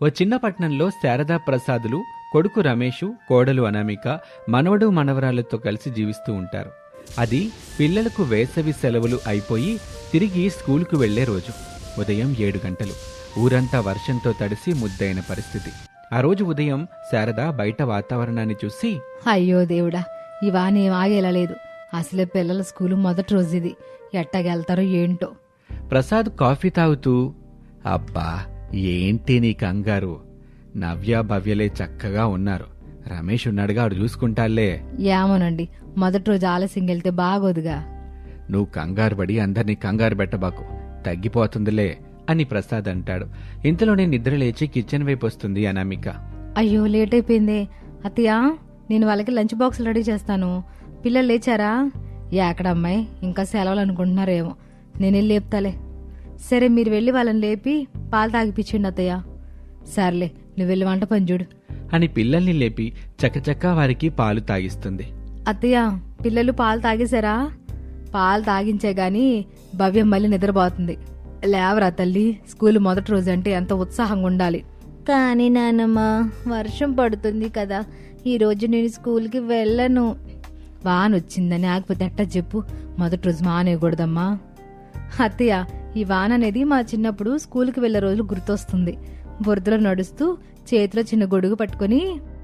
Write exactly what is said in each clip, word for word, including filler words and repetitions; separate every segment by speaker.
Speaker 1: ఓ చిన్న పట్టణంలో శారదా ప్రసాదులు, కొడుకు రమేషు, కోడలు అనామిక, మనవడు మనవరాళ్లతో కలిసి జీవిస్తూ ఉంటారు. అది పిల్లలకు వేసవి సెలవులు అయిపోయి తిరిగి స్కూలుకు వెళ్లే రోజు. ఉదయం ఏడు గంటలు. ఊరంతా వర్షంతో తడిసి ముద్దైన పరిస్థితి. ఆ రోజు ఉదయం శారద బయట వాతావరణాన్ని చూసి,
Speaker 2: అయ్యో దేవుడా, ఇవానేం ఆగేలా లేదు. అసలే పిల్లల స్కూలు మొదటి రోజు ఇది. ఎట్టగెళ్తారో ఏంటో.
Speaker 1: ప్రసాద్ కాఫీ తాగుతూ, అబ్బా ఏంటి నీ కంగారు, నవ్య భవ్యలే చక్కగా ఉన్నారు, రమేష్ ఉన్నాడుగా, ఆడు చూసుకుంటాలే.
Speaker 2: ఏమోనండి, మొదటి రోజు ఆలస్యం వెళ్తే బాగోదుగా.
Speaker 1: నువ్వు కంగారు పడి అందరినీ కంగారు పెట్టబాకు, తగ్గిపోతుందిలే అని ప్రసాద్ అంటాడు. ఇంతలోనే నిద్ర లేచి కిచెన్ వైపు వస్తుంది అనామిక.
Speaker 2: అయ్యో లేట్ అయిపోయిందే. అత్తయ్య, నేను వాళ్ళకి లంచ్ బాక్సులు రెడీ చేస్తాను. పిల్లలు లేచారా? ఎక్కడమ్మాయి, ఇంకా సెలవులు అనుకుంటున్నారేమో. నేను వెళ్ళి లేపుతాలే. సరే, మీరు వెళ్ళి వాళ్ళని లేపి పాలు తాగిపించండి అత్తయ్య. సర్లే, నువ్వు వెళ్ళి వంట పని చూడు
Speaker 1: అని పిల్లల్ని లేపి చకచకా వారికి పాలు తాగిస్తుంది.
Speaker 2: అత్తయ్య, పిల్లలు పాలు తాగేశారా? పాలు తాగించే గాని భవ్యం మళ్ళీ నిద్రపోతుంది. లేవరా తల్లి, స్కూల్ మొదటి రోజు అంటే ఎంత ఉత్సాహంగా ఉండాలి. కానీ నాన్నమ్మ, వర్షం పడుతుంది కదా, ఈ రోజు నేను స్కూల్కి వెళ్ళను. వాన వచ్చిందని ఆగిపోతే ఎట్టా చెప్పు, మొదటి రోజు మానేయకూడదమ్మా. అత్తయ్య, ఈ వాన అనేది మా చిన్నప్పుడు స్కూల్కి వెళ్లే రోజులు గుర్తొస్తుంది. బురదలో నడుస్తూ చేతిలో చిన్న గొడుగు పట్టుకుని.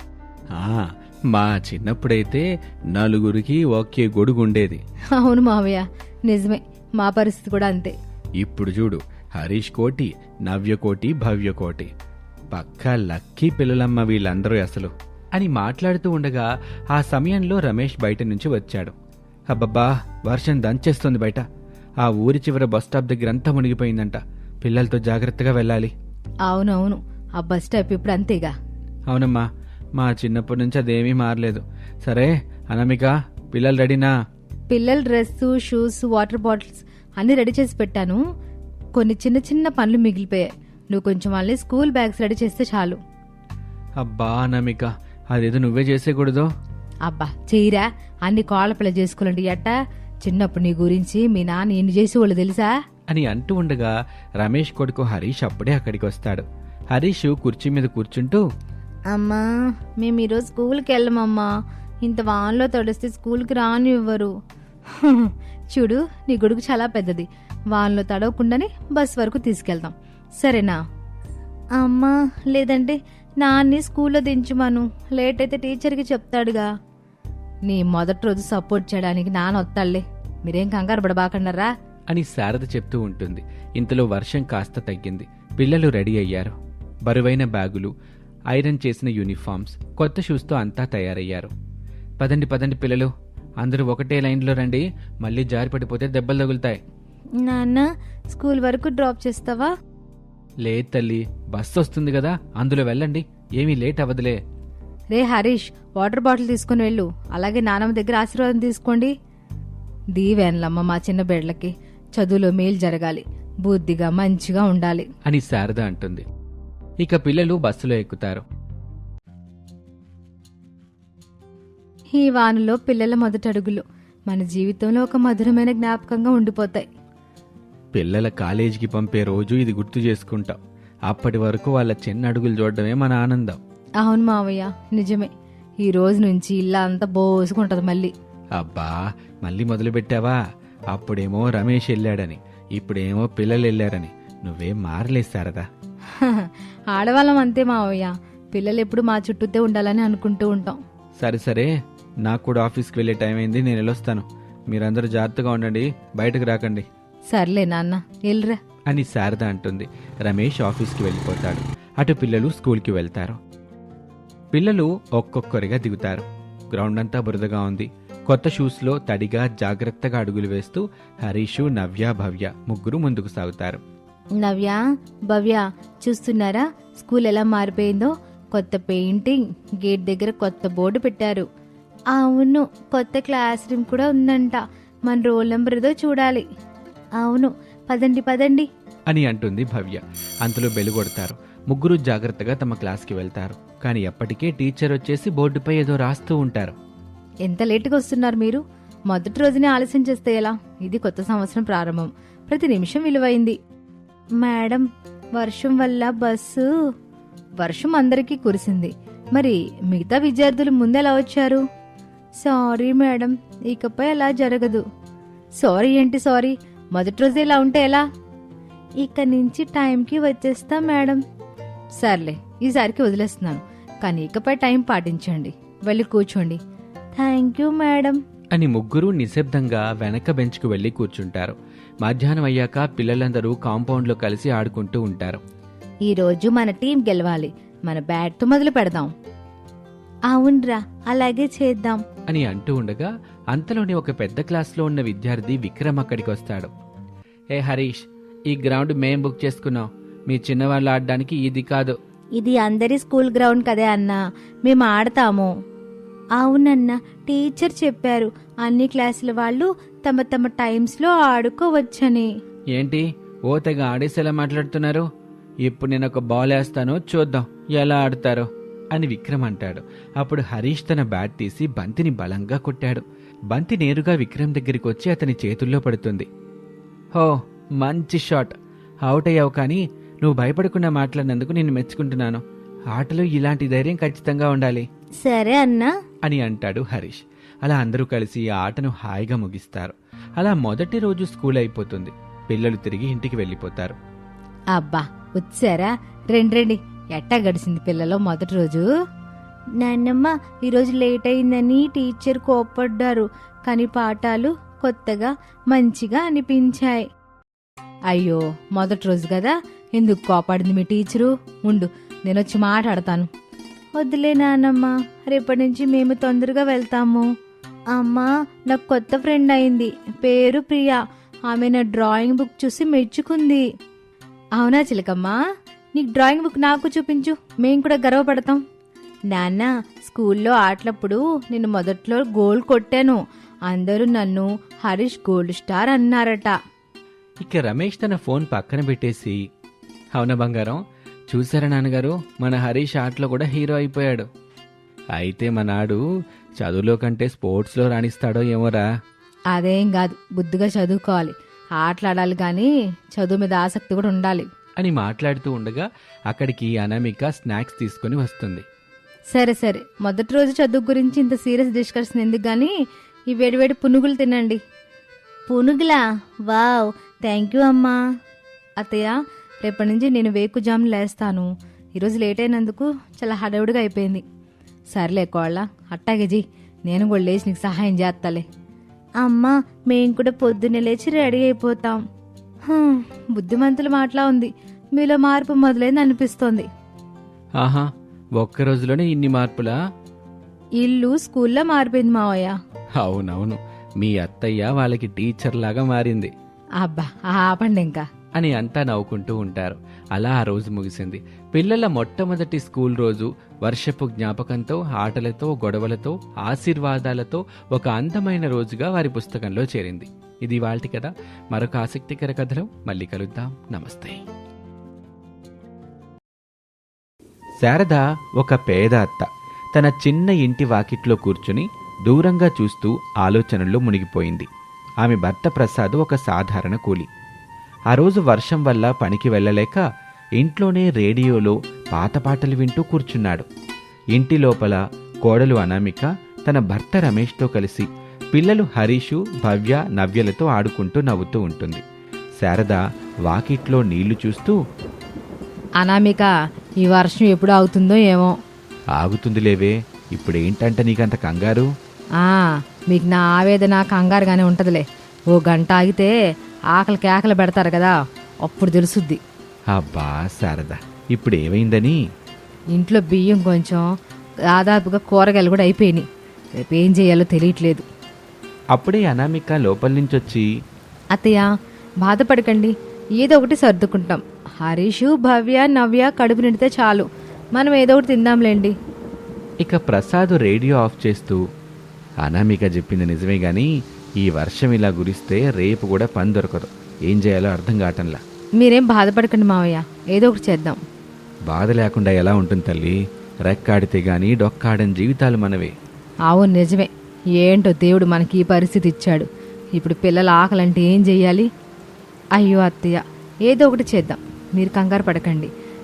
Speaker 1: మా చిన్నప్పుడైతే నలుగురికి ఒకే గొడుగు ఉండేది.
Speaker 2: అవును మావయ్య, నిజమే, మా పరిస్థితి కూడా అంతే.
Speaker 1: ఇప్పుడు చూడు, హరీష్ కోటి, నవ్య కోటి, భవ్య కోటి, పక్కా లక్కీ పిల్లలమ్మ వీళ్ళందరూ అసలు అని మాట్లాడుతూ ఉండగా ఆ సమయంలో రమేష్ బయట నుంచి వచ్చాడు. అబ్బబ్బా, వర్షం దంచేస్తుంది బయట. ఆ ఊరి చివర బస్టాప్ దగ్గర అంతా మునిగిపోయిందంట. పిల్లలతో జాగ్రత్తగా వెళ్ళాలి.
Speaker 2: అవునవును, ఆ బస్ స్టాప్ ఇప్పుడు అంతేగా.
Speaker 1: అవునమ్మా, మా చిన్నప్పటి నుంచి అదేమీ మారలేదు. సరే అనామిక, పిల్లలు రెడీనా?
Speaker 2: పిల్లల డ్రెస్, షూస్, వాటర్ బాటిల్స్ అన్ని రెడీ చేసి పెట్టాను. కొన్ని చిన్న చిన్న పనులు మిగిలిపోయాయి. నువ్వు కొంచెం వాళ్ళని స్కూల్ బ్యాగ్స్ రెడీ చేస్తే చాలు.
Speaker 1: అబ్బా అనామిక, అదేదో నువ్వే చేసేకూడదు.
Speaker 2: అబ్బా చెయ్యరా, అన్ని కోళ్ల పిల్ల చేసుకోవాలండి. ఎట్టా చిన్నప్పుడు నీ గురించి మీ నాన్న ఎన్ని చేసేవాళ్ళు తెలుసా
Speaker 1: అని అంటూ ఉండగా రమేష్ కొడుకు హరీష్ అప్పుడే అక్కడికి వస్తాడు. హరీష్ కుర్చీ మీద కూర్చుంటూ,
Speaker 2: అమ్మా మేము ఈరోజు స్కూల్కి వెళ్ళమమ్మా. ఇంత వాన్లో తడిస్తే స్కూల్కి రాని ఇవ్వరు. చూడు, నీ గొడుగు చాలా పెద్దది. వాన్లో తడవకుండానే బస్ వరకు తీసుకెళ్తాం, సరేనా? అమ్మా, లేదంటే నాన్ని స్కూల్లో దించుమాను. లేట్ అయితే టీచర్కి చెప్తాడుగా. నీ మొదటి రోజు సపోర్ట్ చేయడానికి నాన్న వస్తాడులే, మీరేం కంగారు పడబాకండరా
Speaker 1: అని శారద చెప్తూ ఉంటుంది. ఇంతలో వర్షం కాస్త తగ్గింది. పిల్లలు రెడీ అయ్యారు. బరువైన బ్యాగులు, ఐరన్ చేసిన యూనిఫామ్స్, కొత్త షూస్తో అంతా తయారయ్యారు. పదండి పదండి పిల్లలు, అందరూ ఒకటే లైన్లో రండి, మళ్ళీ జారి పడిపోతే దెబ్బలు తగులుతాయి.
Speaker 2: నాన్న, స్కూల్ వరకు డ్రాప్ చేస్తావా?
Speaker 1: లేదు తల్లి, బస్సు వస్తుంది కదా, అందులో వెళ్ళండి, ఏమీ లేట్ అవ్వదులే.
Speaker 2: రే హరీష్, వాటర్ బాటిల్ తీసుకుని వెళ్ళు. అలాగే నానమ్మ దగ్గర ఆశీర్వాదం తీసుకోండి. దీవెనలమ్మ మా చిన్న బిడ్డలకి చదువులో మేలు జరగాలి, బుద్ధిగా మంచిగా ఉండాలి
Speaker 1: అని శారద అంటుంది. ఇక పిల్లలు బస్సులో ఎక్కుతారు.
Speaker 2: ఈ వానలో పిల్లల మొదటి అడుగులు మన జీవితంలో ఒక మధురమైన జ్ఞాపకంగా ఉండిపోతాయి.
Speaker 1: పిల్లల కాలేజీకి పంపే రోజు ఇది గుర్తు చేసుకుంటాం. అప్పటి వరకు వాళ్ళ చిన్న అడుగులు చూడడమే మన ఆనందం.
Speaker 2: అవును మావయ్య, నిజమే. ఈ రోజు నుంచి ఇల్లా అంతా బోసుకుంటది మళ్ళీ.
Speaker 1: అబ్బా, మళ్ళీ మొదలు పెట్టావా? అప్పుడేమో రమేష్ వెళ్ళాడని, ఇప్పుడేమో పిల్లలు వెళ్ళారని. నువ్వేం మారలేదు శారదా.
Speaker 2: ఆడవాళ్ళం అంతే మావయ్య, పిల్లలు ఎప్పుడు మా చుట్టూతే ఉండాలని అనుకుంటూ ఉంటాం.
Speaker 1: సరే సరే, నాకు కూడా ఆఫీస్కి వెళ్ళే టైం అయింది, నేను వెళ్ళొస్తాను. మీరందరూ జాగ్రత్తగా ఉండండి, బయటకు రాకండి.
Speaker 2: సర్లే నాన్న, వెళ్ళరా
Speaker 1: అని శారద అంటుంది. రమేష్ ఆఫీస్కి వెళ్ళిపోతాడు. అటు పిల్లలు స్కూల్కి వెళ్తారు. పిల్లలు ఒక్కొక్కరిగా దిగుతారు. గ్రౌండ్ అంతా బురదగా ఉంది. కొత్త షూస్లో తడిగా జాగ్రత్తగా అడుగులు వేస్తూ హరీషు, నవ్య, భవ్య ముగ్గురు ముందుకు సాగుతారు.
Speaker 2: నవ్య, భవ్య చూస్తున్నారా స్కూల్ ఎలా మారిపోయిందో? కొత్త పెయింటింగ్, గేట్ దగ్గర కొత్త బోర్డు పెట్టారు. అవును, కొత్త క్లాస్ రూమ్ కూడా ఉందంట. మన రోల్ నెంబర్ ఏదో చూడాలి. అవును, పదండి పదండి
Speaker 1: అని అంటుంది భవ్య. అంతలో బెలు కొడతారు. ముగ్గురు జాగ్రత్తగా తమ క్లాస్కి వెళ్తారు. కానీ ఎప్పటికే టీచర్ వచ్చేసి బోర్డుపై ఏదో రాస్తూ ఉంటారు.
Speaker 2: ఎంత లేటుగా వస్తున్నారు మీరు? మొదటి రోజునే ఆలస్యం చేస్తే ఎలా? ఇది కొత్త సంవత్సరం ప్రారంభం, ప్రతి నిమిషం విలువైంది. మేడం, వర్షం వల్ల బస్సు వర్షం అందరికీ కురిసింది. మరి మిగతా విద్యార్థులు ముందెలా వచ్చారు? సారీ మేడం, ఇకపై అలా జరగదు. సారీ ఏంటి సారీ? మొదటి రోజు ఇలా ఉంటే ఎలా? ఇక నుంచి టైంకి వచ్చేస్తా మేడం. సర్లే, ఈసారికి వదిలేస్తున్నాను, కానీ ఇకపై టైం పాటించండి. వెళ్ళి కూర్చోండి. థ్యాంక్ యూ మేడం
Speaker 1: అని ముగ్గురు నిశ్శబ్దంగా వెనక బెంచ్కు వెళ్లి కూర్చుంటారు. మధ్యాహ్నం అయ్యాక పిల్లలందరూ కాంపౌండ్లో కలిసి ఆడుకుంటూ ఉంటారు.
Speaker 2: ఈరోజు మన టీం గెలవాలి. మన బ్యాట్తో మొదలు పెడదాం. అవునరా, అలాగే చేద్దాం
Speaker 1: అని అంటూ ఉండగా అంతలోనే ఒక పెద్ద క్లాస్లో ఉన్న విద్యార్థి విక్రమ్ అక్కడికి వస్తాడు. ఏ హరీష్, ఈ గ్రౌండ్ మేం బుక్ చేసుకున్నాం. మీ చిన్నవాళ్ళు ఆడడానికి ఇది కాదు.
Speaker 2: ఇది అందరి స్కూల్ గ్రౌండ్ కదే అన్నా, మేము ఆడతాము. అవునన్నా, టీచర్ చెప్పారు అన్ని క్లాసుల వాళ్ళు తమ తమ టైమ్స్లో ఆడుకోవచ్చని.
Speaker 1: ఏంటి ఓ తెగ ఆడేసేలా మాట్లాడుతున్నారు? ఇప్పుడు నేను ఒక బాల్ వేస్తాను, చూద్దాం ఎలా ఆడతారో అని విక్రమ్ అంటాడు. అప్పుడు హరీష్ తన బ్యాట్ తీసి బంతిని బలంగా కొట్టాడు. బంతి నేరుగా విక్రమ్ దగ్గరికి వచ్చి అతని చేతుల్లో పడుతుంది. హో, మంచి షాట్. అవుట్ అయ్యావు, కానీ నువ్వు భయపడకుండా మాట్లాడినందుకు నేను మెచ్చుకుంటున్నాను. ఆటలో ఇలాంటి ధైర్యం ఖచ్చితంగా ఉండాలి.
Speaker 2: సరే అన్నా
Speaker 1: అని అంటాడు హరీష్. అలా అందరూ కలిసి ఆ ఆటను హాయిగా ముగిస్తారు. అలా మొదటి రోజు స్కూల్ అయిపోతుంది. పిల్లలు తిరిగి ఇంటికి వెళ్ళిపోతారు.
Speaker 2: అబ్బా, వచ్చారా? రండి రండి. ఎట్టా గడిచింది పిల్లలు మొదటి రోజు? నాన్నమ్మ, ఈరోజు లేట్ అయిందని టీచర్ కోప్పడ్డారు, కానీ పాఠాలు కొత్తగా మంచిగా అనిపించాయి. అయ్యో, మొదటి రోజు కదా, ఎందుకు కోపాడింది మీ టీచరు? ఉండు, నేనొచ్చి మాట్లాడతాను. వద్దులే నాన్నమ్మ, రేపటి నుంచి మేము తొందరగా వెళ్తాము. అమ్మా, నాకు కొత్త ఫ్రెండ్ అయింది, పేరు ప్రియా. ఆమె నా డ్రాయింగ్ బుక్ చూసి మెచ్చుకుంది. అవునా చిలకమ్మా? నీకు డ్రాయింగ్ బుక్ నాకు చూపించు, మేం కూడా గర్వపడతాం. నాన్న, స్కూల్లో ఆటలప్పుడు నేను మొదట్లో గోల్ కొట్టాను. అందరూ నన్ను హరీష్ గోల్డ్ స్టార్ అన్నారట.
Speaker 1: ఇక రమేష్ తన ఫోన్ పక్కన పెట్టేసి, అవునా బంగారం, చూసారా నాన్నగారు, మన హరీష్ ఆటలో కూడా హీరో అయిపోయాడు. అయితే మనాడు చదువులో కంటే స్పోర్ట్స్లో రాణిస్తాడో ఏమోరా.
Speaker 2: అదేం కాదు, బుద్ధిగా చదువుకోవాలి, ఆటలాడాలి, కానీ చదువు మీద ఆసక్తి కూడా ఉండాలి
Speaker 1: అని మాట్లాడుతూ ఉండగా అక్కడికి అనామిక స్నాక్స్ తీసుకుని వస్తుంది.
Speaker 2: సరే సరే, మొదటి రోజు చదువు గురించి ఇంత సీరియస్ డిస్కషన్ ఎందుకు గానీ ఈ వేడివేడి పునుగులు తినండి. పునుగులా? వావ్, థ్యాంక్ యూ అమ్మా. అత్తయ్య, రేపటి నుంచి నేను వేకు జామ్ లేస్తాను. ఈరోజు లేట్ అయినందుకు చాలా హడావుడిగా అయిపోయింది. సర్లే కోళ్ళ, అట్టాగే జీ, నేను కూడా లేచి నీకు సహాయం చేస్తాలే. అమ్మా, మేము కూడా పొద్దున్నే లేచి రెడీ అయిపోతాం. హ్మ్, బుద్ధిమంతుల మాటలా ఉంది. మీలో మార్పు మొదలైంది అనిపిస్తోంది.
Speaker 1: ఆహా, ఒక్క రోజులోనే ఇన్ని మార్పులా?
Speaker 2: ఇల్లు స్కూల్లో మారిపోయింది మావయ్య.
Speaker 1: అవునవును, మీ అత్తయ్య వాళ్ళకి టీచర్ లాగా మారింది.
Speaker 2: అబ్బా, ఆపండి ఇంకా
Speaker 1: అని అంతా నవ్వుకుంటూ ఉంటారు. అలా ఆ రోజు ముగిసింది. పిల్లల మొట్టమొదటి స్కూల్ రోజు వర్షపు జ్ఞాపకంతో, ఆటలతో, గొడవలతో, ఆశీర్వాదాలతో ఒక అందమైన రోజుగా వారి పుస్తకంలో చేరింది. ఇది వాల్టి కథ. మరొక ఆసక్తికర కథలో మళ్ళీ కలుద్దాం. నమస్తే. శారద ఒక పేద అత్త. తన చిన్న ఇంటి వాకిట్లో కూర్చుని దూరంగా చూస్తూ ఆలోచనల్లో మునిగిపోయింది. ఆమె భర్త ప్రసాద్ ఒక సాధారణ కూలి. ఆ రోజు వర్షం వల్ల పనికి వెళ్ళలేక ఇంట్లోనే రేడియోలో పాత పాటలు వింటూ కూర్చున్నాడు. ఇంటి లోపల కోడలు అనామిక తన భర్త రమేష్తో కలిసి పిల్లలు హరీషు, భవ్య, నవ్యలతో ఆడుకుంటూ నవ్వుతూ ఉంటుంది. శారద వాకిట్లో నీళ్లు చూస్తూ,
Speaker 2: అనామిక, ఈ వర్షం ఎప్పుడు అవుతుందో ఏమో.
Speaker 1: ఆగుతుంది లేవే, ఇప్పుడేంటంట నీకంత కంగారు?
Speaker 2: ఆ, మీకు నా ఆవేదన కంగారుగానే ఉంటదిలే. ఓ గంట ఆగితే ఆకలి కేకలు పెడతారు కదా, అప్పుడు తెలుసుద్ది.
Speaker 1: అబ్బా శారద, ఇప్పుడేమైందని?
Speaker 2: ఇంట్లో బియ్యం కొంచెం, దాదాపుగా కూరగాయలు కూడా అయిపోయినాయి. రేపు ఏం చేయాలో తెలియట్లేదు.
Speaker 1: అప్పుడే అనామిక లోపల నుంచొచ్చి,
Speaker 2: అత్తయ్య, బాధపడకండి, ఏదో ఒకటి సర్దుకుంటాం. హరీషు, భవ్య, నవ్య కడుపు నిండితే చాలు, మనం ఏదో ఒకటి తిందాంలేండి.
Speaker 1: ఇక ప్రసాద్ రేడియో ఆఫ్ చేస్తూ, అనామిక చెప్పింది నిజమే గాని ఈ వర్షం ఇలా గురిస్తే రేపు కూడా పని దొరకదు. ఏం చేయాలో అర్థం కావటంలా.
Speaker 2: మీరేం బాధపడకండి మావయ్య, ఏదో ఒకటి చేద్దాం.
Speaker 1: బాధ లేకుండా ఎలా ఉంటుంది తల్లి? రెక్కాడితే గాని డొక్కాడని జీవితాలు మనవే.
Speaker 2: అవును, నిజమే. ఏంటో దేవుడు మనకి ఈ పరిస్థితి ఇచ్చాడు. ఇప్పుడు పిల్లల ఆకలంటే ఏం చెయ్యాలి? అయ్యో అత్తయ్య, ఏదో ఒకటి చేద్దాం, మీరు కంగారు పడకండి.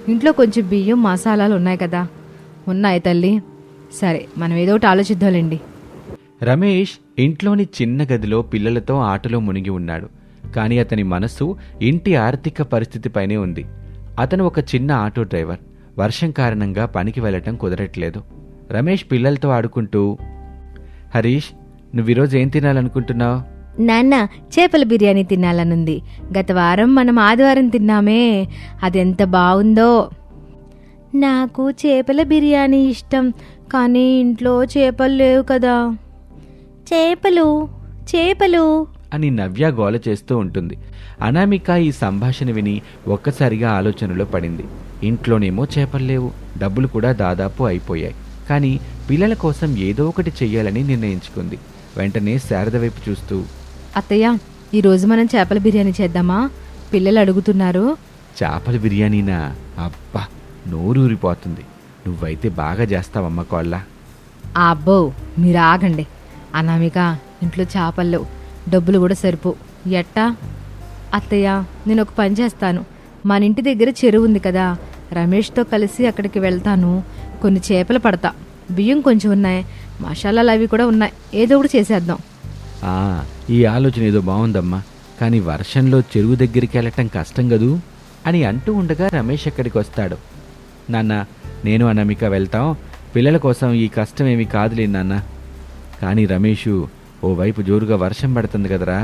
Speaker 2: ఇంట్లో కొంచెం బియ్యం మసాలాలు ఉన్నాయి కదా. ఉన్నాయి తల్లి. సరే, మనం ఏదో ఒకటి ఆలోచిద్దాంలేండి.
Speaker 1: రమేష్ ఇంట్లోని చిన్న గదిలో పిల్లలతో ఆటలో మునిగి ఉన్నాడు. కానీ అతని మనస్సు ఇంటి ఆర్థిక పరిస్థితిపైనే ఉంది. అతను ఒక చిన్న ఆటో డ్రైవర్. వర్షం కారణంగా పనికి వెళ్లటం కుదరట్లేదు. రమేష్ పిల్లలతో ఆడుకుంటూ, హరీష్, నువ్వీరోజు ఏం తినాలనుకుంటున్నావు?
Speaker 2: నాన్న, చేపల బిర్యానీ తినాలనుంది. గత వారం మనం ఆదివారం తిన్నామే, అదెంత బాగుందో. నాకు చేపల బిర్యానీ ఇష్టం, కానీ ఇంట్లో చేపలు లేవు కదా. చేపలు చేపలు
Speaker 1: అని నవ్య గోల చేస్తూ ఉంటుంది. అనామిక ఈ సంభాషణ విని ఒక్కసారిగా ఆలోచనలో పడింది. ఇంట్లోనేమో చేపలు లేవు, డబ్బులు కూడా దాదాపు అయిపోయాయి. కానీ పిల్లల కోసం ఏదో ఒకటి చెయ్యాలని నిర్ణయించుకుంది. వెంటనే శారద వైపు చూస్తూ,
Speaker 2: అత్తయ్య, ఈరోజు మనం చేపల బిర్యానీ చేద్దామా? పిల్లలు అడుగుతున్నారు.
Speaker 1: చేపల బిర్యానీనా? అబ్బా, నోరూరిపోతుంది. నువ్వైతే బాగా చేస్తావమ్మ కోళ్ళ.
Speaker 2: అబ్బో, మీరు ఆగండి. అనామిక, ఇంట్లో చేపలు డబ్బులు కూడా సరిపో. ఎట్టా? అత్తయ్య, నేను ఒక పని చేస్తాను. మన ఇంటి దగ్గర చెరువు ఉంది కదా, రమేష్తో కలిసి అక్కడికి వెళ్తాను. కొన్ని చేపలు పడతా. బియ్యం కొంచెం ఉన్నాయి, మసాలాలు అవి కూడా ఉన్నాయి. ఏదో ఒకటి చేసేద్దాం.
Speaker 1: ఆ, ఈ ఆలోచన ఏదో బాగుందమ్మా. కానీ వర్షంలో చెరువు దగ్గరికి వెళ్ళటం కష్టం కదూ అని అంటూ ఉండగా రమేష్ అక్కడికి వస్తాడు. నాన్న, నేను అనామిక వెళ్తాం. పిల్లల కోసం ఈ కష్టం ఏమీ కాదులే నాన్న. కానీ రమేషు, ఓవైపు జోరుగా వర్షం పడుతుంది కదరా.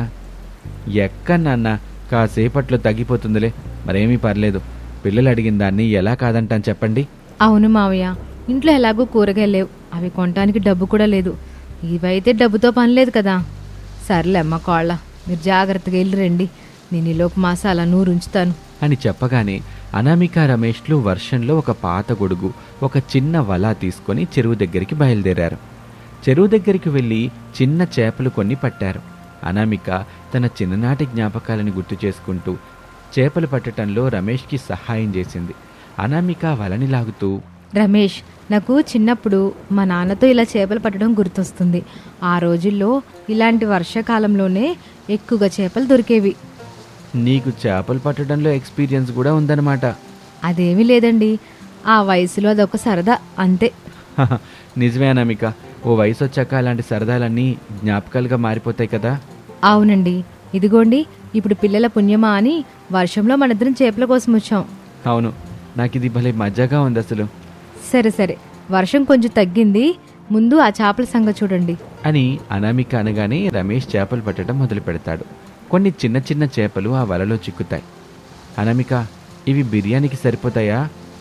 Speaker 1: ఎక్క నాన్న, కాసేపట్లో తగ్గిపోతుందిలే, మరేమీ పర్లేదు. పిల్లలు అడిగిన దాన్ని ఎలా కాదంటాను చెప్పండి.
Speaker 2: అవును మావయ్య, ఇంట్లో ఎలాగో కూరగాయలు లేవు, అవి కొనటానికి డబ్బు కూడా లేదు. ఇవైతే డబ్బుతో పని లేదు కదా. సర్లే అమ్మ కోళ్ళ, మీరు జాగ్రత్తగా వెళ్ళి రండి. నేను ఈలోపు మసాలా నూరు ఉంచుతాను
Speaker 1: అని చెప్పగానే అనామిక రమేష్లు వర్షంలో ఒక పాత గొడుగు, ఒక చిన్న వల తీసుకొని చెరువు దగ్గరికి బయలుదేరారు. చెరువు దగ్గరికి వెళ్ళి చిన్న చేపలు కొన్ని పట్టారు. అనామిక తన చిన్ననాటి జ్ఞాపకాలను గుర్తు చేసుకుంటూ చేపలు పట్టడంలో రమేష్కి సహాయం చేసింది. అనామిక వలని లాగుతూ,
Speaker 2: రమేష్, నాకు చిన్నప్పుడు మా నాన్నతో ఇలా చేపలు పట్టడం గుర్తొస్తుంది. ఆ రోజుల్లో ఇలాంటి వర్షాకాలంలోనే ఎక్కువగా చేపలు దొరికేవి.
Speaker 1: నీకు చేపలు పట్టడంలో ఎక్స్పీరియన్స్ కూడా ఉందన్నమాట.
Speaker 2: అదేమీ లేదండి, ఆ వయసులో అదొక సరదా అంతే.
Speaker 1: నిజమే అనామిక, ఓ వయసు వచ్చాక అలాంటి సరదాలన్నీ జ్ఞాపకాలుగా మారిపోతాయి కదా.
Speaker 2: అవునండి, ఇదిగోండి ఇప్పుడు పిల్లల పుణ్యమా అని వర్షంలో మనిద్దరం చేపల కోసం వచ్చాం.
Speaker 1: అవును, నాకు ఇది భలే మజాగా ఉంది అసలు.
Speaker 2: సరే సరే, వర్షం కొంచెం తగ్గింది, ముందు ఆ చేపల సంగతి చూడండి
Speaker 1: అని అనామిక అనగానే రమేష్ చేపలు పట్టడం మొదలు పెడతాడు. కొన్ని చిన్న చిన్న చేపలు ఆ వలలో చిక్కుతాయి. అనామిక, ఇవి బిర్యానీకి సరిపోతాయా?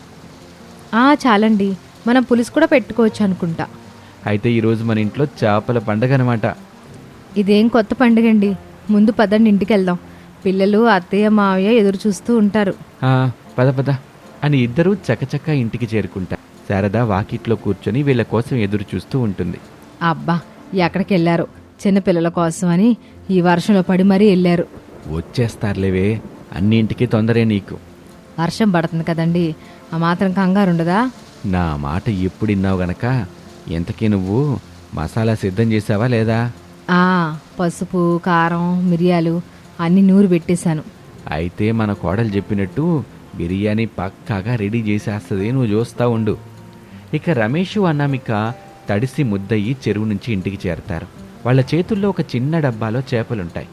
Speaker 2: ఆ చాలండి, మనం పులుసు కూడా పెట్టుకోవచ్చు అనుకుంటా.
Speaker 1: అయితే ఈరోజు మన ఇంట్లో చేపల పండగ అనమాట.
Speaker 2: ఇదేం కొత్త పండుగండి. ముందు పదండి, ఇంటికి వెళ్దాం. పిల్లలు అత్తయ్య మావయ్య ఎదురు చూస్తూ ఉంటారు.
Speaker 1: పద పద అని ఇద్దరూ చకచక ఇంటికి చేరుకుంటారు. శారద వాకిట్లో కూర్చొని వీళ్ళ కోసం ఎదురు చూస్తూ ఉంటుంది.
Speaker 2: అబ్బా, ఎక్కడికి వెళ్ళారు? చిన్నపిల్లల కోసం అని ఈ వర్షంలో పడి మరీ వెళ్ళారు.
Speaker 1: వచ్చేస్తారులేవే, అన్నింటికి తొందరే నీకు.
Speaker 2: వర్షం పడుతుంది కదండి, ఆ మాత్రం కంగారు ఉండదా?
Speaker 1: నా మాట ఎప్పుడు విన్నావు గనక. ఎంతకీ నువ్వు మసాలా సిద్ధం చేసావా లేదా?
Speaker 2: ఆ, పసుపు, కారం, మిరియాలు అన్నీ నూరు పెట్టేశాను.
Speaker 1: అయితే మన కోడలు చెప్పినట్టు బిర్యానీ పక్కాగా రెడీ చేసేస్తుంది, నువ్వు చూస్తా ఉండు. ఇక రమేషు అనామిక తడిసి ముద్దయి చెరువు నుంచి ఇంటికి చేరతారు. వాళ్ళ చేతుల్లో ఒక చిన్న డబ్బాలో చేపలుంటాయి.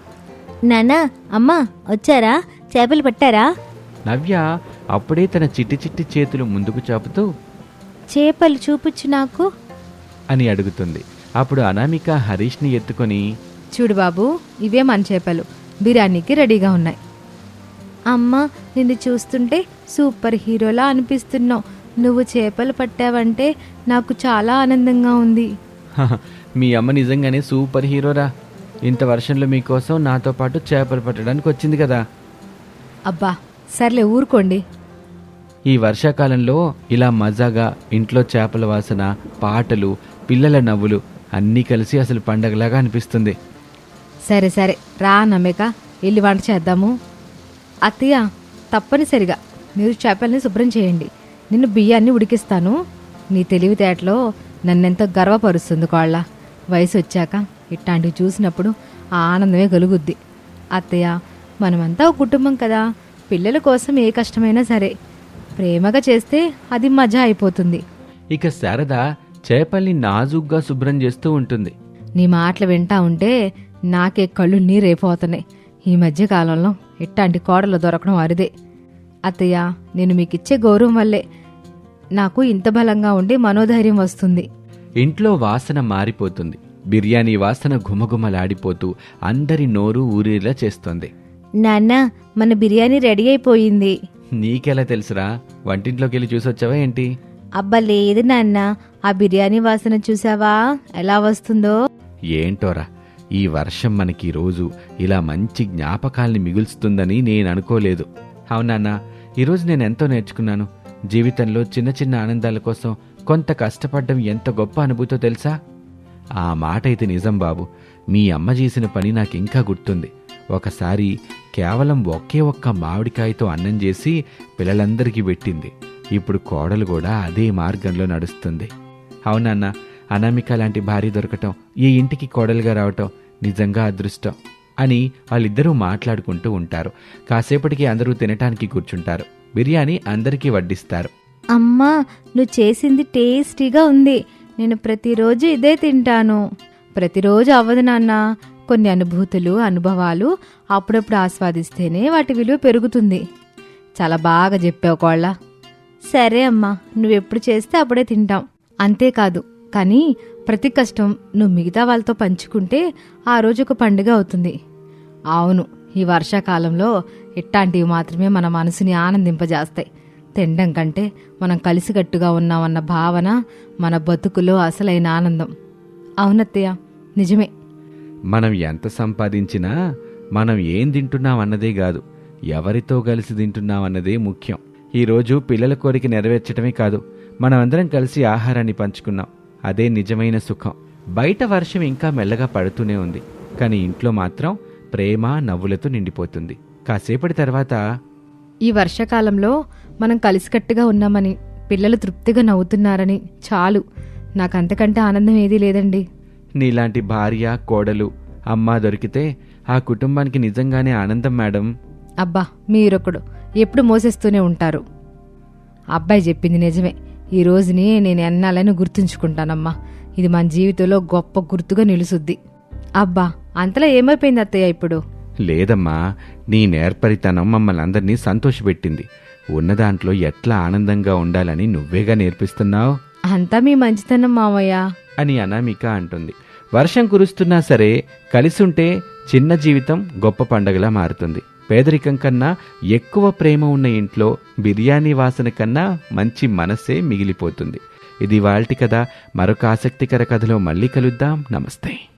Speaker 2: నానా, అమ్మా వచ్చారా? చేపలు పట్టారా?
Speaker 1: నవ్య అప్పుడే తన చిట్టి చిట్టి చేతులు ముందుకు చాపుతూ,
Speaker 2: చేపలు చూపుచ్చు నాకు
Speaker 1: అని అడుగుతుంది. అప్పుడు అనామిక హరీష్ని ఎత్తుకొని,
Speaker 2: చూడు బాబు, ఇవే మన చేపలు, బిర్యానీకి రెడీగా ఉన్నాయి. అమ్మా, నిన్ను చూస్తుంటే సూపర్ హీరోలా అనిపిస్తున్నావు. నువ్వు చేపలు పట్టావంటే నాకు చాలా ఆనందంగా ఉంది.
Speaker 1: మీ అమ్మ నిజంగానే సూపర్ హీరోరా. ఇంత వర్షంలో మీకోసం నాతో పాటు చేపలు పట్టడానికి వచ్చింది కదా.
Speaker 2: అబ్బా సర్లే, ఊరుకోండి.
Speaker 1: ఈ వర్షాకాలంలో ఇలా మజాగా ఇంట్లో చేపల వాసన, పాటలు, పిల్లల నవ్వులు అన్నీ కలిసి అసలు పండగలాగా అనిపిస్తుంది.
Speaker 2: సరే సరే రా నమ్మేక, వెళ్ళి వంట చేద్దాము. అత్తయ్య, తప్పనిసరిగా మీరు చేపల్ని శుభ్రం చేయండి, నిన్ను బియ్యాన్ని ఉడికిస్తాను. నీ తెలివితేటలో నన్నెంతో గర్వపరుస్తుంది కోళ్ళ. వయసు వచ్చాక ఇట్లాంటివి చూసినప్పుడు ఆ ఆనందమే కలుగుద్ది. అత్తయ్య, మనమంతా ఒక కుటుంబం కదా, పిల్లల కోసం ఏ కష్టమైనా సరే ప్రేమగా చేస్తే అది మజా అయిపోతుంది.
Speaker 1: ఇక శారద చేపల్ని నాజుగ్గా శుభ్రం చేస్తూ ఉంటుంది.
Speaker 2: నీ మాటలు వింటా ఉంటే నాకే కళ్ళు నీరైపోతున్నాయి. ఈ మధ్య కాలంలో ఇట్లాంటి కోడలు దొరకడం అరిదే. అత్తయ్య, నేను మీకిచ్చే గౌరవం వల్లే నాకు ఇంత బలంగా ఉండి మనోధైర్యం వస్తుంది.
Speaker 1: ఇంట్లో వాసన మారిపోతుంది. బిర్యానీ వాసన ఘుమఘుమలాడిపోతూ అందరి నోరు ఊరేలా చేస్తోంది.
Speaker 2: నాన్న, మన బిర్యానీ రెడీ అయిపోయింది.
Speaker 1: నీకెలా తెలుసురా? వంటింట్లోకి వెళ్ళి చూసొచ్చావా ఏంటి?
Speaker 2: అబ్బా లేదు నాన్న, ఆ బిర్యానీ వాసన చూసావా ఎలా వస్తుందో?
Speaker 1: ఏంటోరా, ఈ వర్షం మనకి రోజు ఇలా మంచి జ్ఞాపకాల్ని మిగుల్స్తుందని నేను అనుకోలేదు. అవునన్నా, ఈరోజు నేను ఎంతో నేర్చుకున్నాను. జీవితంలో చిన్న చిన్న ఆనందాల కోసం కొంత కష్టపడ్డం ఎంత గొప్ప అనుభూతో తెలుసా? ఆ మాట అయితే నిజం బాబు. మీ అమ్మ చేసిన పని నాకింకా గుర్తుంది. ఒకసారి కేవలం ఒకే ఒక్క మామిడికాయతో అన్నం చేసి పిల్లలందరికీ పెట్టింది. ఇప్పుడు కోడలు కూడా అదే మార్గంలో నడుస్తుంది. అవునన్నా, అనామిక లాంటి భార్య దొరకటం, ఈ ఇంటికి కోడలుగా రావటం నిజంగా అదృష్టం అని వాళ్ళిద్దరూ మాట్లాడుకుంటూ ఉంటారు. కాసేపటికి అందరూ తినటానికి కూర్చుంటారు. బిర్యానీ అందరికీ వడ్డిస్తారు.
Speaker 2: అమ్మా, నువ్వు చేసింది టేస్టీగా ఉంది. నేను ప్రతిరోజు ఇదే తింటాను. ప్రతిరోజు అవ్వదు నాన్న. కొన్ని అనుభూతులు, అనుభవాలు అప్పుడప్పుడు ఆస్వాదిస్తేనే వాటి విలువ పెరుగుతుంది. చాలా బాగా చెప్పావు కోళ్ళ. సరే అమ్మా, నువ్వెప్పుడు చేస్తే అప్పుడే తింటాం. అంతేకాదు, కానీ ప్రతి కష్టం నువ్వు మిగతా వాళ్ళతో పంచుకుంటే ఆ రోజు ఒక పండుగ అవుతుంది. అవును, ఈ వర్షాకాలంలో ఇట్లాంటివి మాత్రమే మన మనసుని ఆనందింపజేస్తాయి. తినడం కంటే మనం కలిసికట్టుగా ఉన్నామన్న భావన మన బతుకులో అసలైన ఆనందం. అవునత్తయ్య, నిజమే.
Speaker 1: మనం ఎంత సంపాదించినా మనం ఏం తింటున్నామన్నదే కాదు, ఎవరితో కలిసి తింటున్నామన్నదే ముఖ్యం. ఈరోజు పిల్లల కోరిక నెరవేర్చడమే కాదు, మనమందరం కలిసి ఆహారాన్ని పంచుకున్నాం. అదే నిజమైన సుఖం. బయట వర్షం ఇంకా మెల్లగా పడుతూనే ఉంది, కానీ ఇంట్లో మాత్రం ప్రేమ, నవ్వులతో నిండిపోతుంది. కాసేపటి తర్వాత,
Speaker 2: ఈ వర్షాకాలంలో మనం కలిసికట్టుగా ఉన్నామని, పిల్లలు తృప్తిగా నవ్వుతున్నారని చాలు. నాకంతకంటే ఆనందం ఏదీ లేదండి.
Speaker 1: నీలాంటి భార్య, కోడలు, అమ్మ దొరికితే ఆ కుటుంబానికి నిజంగానే ఆనందం మేడం.
Speaker 2: అబ్బా, మీరొకడు ఎప్పుడు మోసేస్తూనే ఉంటారు. అబ్బాయి చెప్పింది నిజమే. ఈ రోజుని నేను ఎన్నాలని గుర్తుంచుకుంటానమ్మా. ఇది మన జీవితంలో గొప్ప గుర్తుగా నిలుసుద్ది. అబ్బా, అంతలా ఏమైపోయింది అత్తయ్య ఇప్పుడు?
Speaker 1: లేదమ్మా, నీ నేర్పరితనం మమ్మల్ని అందరినీ సంతోషపెట్టింది. ఉన్న దాంట్లో ఎట్లా ఆనందంగా ఉండాలని నువ్వేగా నేర్పిస్తున్నావు.
Speaker 2: అంతా మీ మంచితనం మావయ్య
Speaker 1: అని అనామిక అంటుంది. వర్షం కురుస్తున్నా సరే కలిసుంటే చిన్న జీవితం గొప్ప పండగలా మారుతుంది. పేదరికం కన్నా ఎక్కువ ప్రేమ ఉన్న ఇంట్లో బిర్యానీ వాసన కన్నా మంచి మనసే మిగిలిపోతుంది. ఇది వాల్టి కథ. మరొక ఆసక్తికర కథలో మళ్ళీ కలుద్దాం. నమస్తే.